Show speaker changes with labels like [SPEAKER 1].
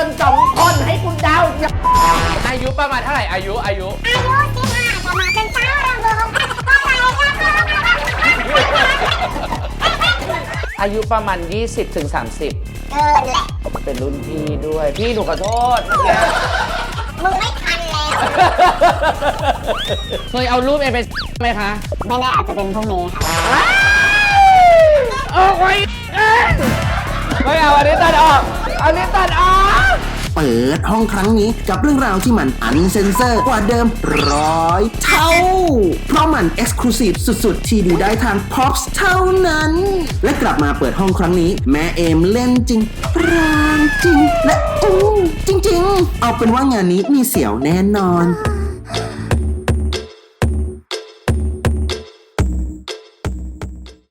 [SPEAKER 1] น2 คนให้คุณเดา
[SPEAKER 2] อายุประมาณเท่าไหร่อายุ
[SPEAKER 3] 15ประมาณเป็นเจ้ารำวงก็ไป
[SPEAKER 1] อายุประมาณ 20 ถึง 30
[SPEAKER 3] เกินแหละ
[SPEAKER 1] เป็นรุ่นพี่ด้วย พี่หนูขอโทษเมื่อกี้
[SPEAKER 3] มึงไม่ทันแล้ว
[SPEAKER 1] เคยเอารูปเอเป็นไหมคะ
[SPEAKER 3] ไม่แน่อาจจะเป็นพวกนี้ค่ะ
[SPEAKER 1] ออกไว้ไม่เอาอันนี้ตัดออกอันนี้ตัดออก
[SPEAKER 4] เปิดห้องครั้งนี้กับเรื่องราวที่มันอันเซนเซอร์กว่าเดิม100 เท่า เพราะมันเอ็กซ์คลูซีฟสุดๆ ที่ดูได้ทาง Pops เท่านั้น และกลับมาเปิดห้องครั้งนี้ แม่เอมเล่นจริงร้องจริง และจริงๆ เอาเป็นว่างานนี้มีเสียวแน่นอน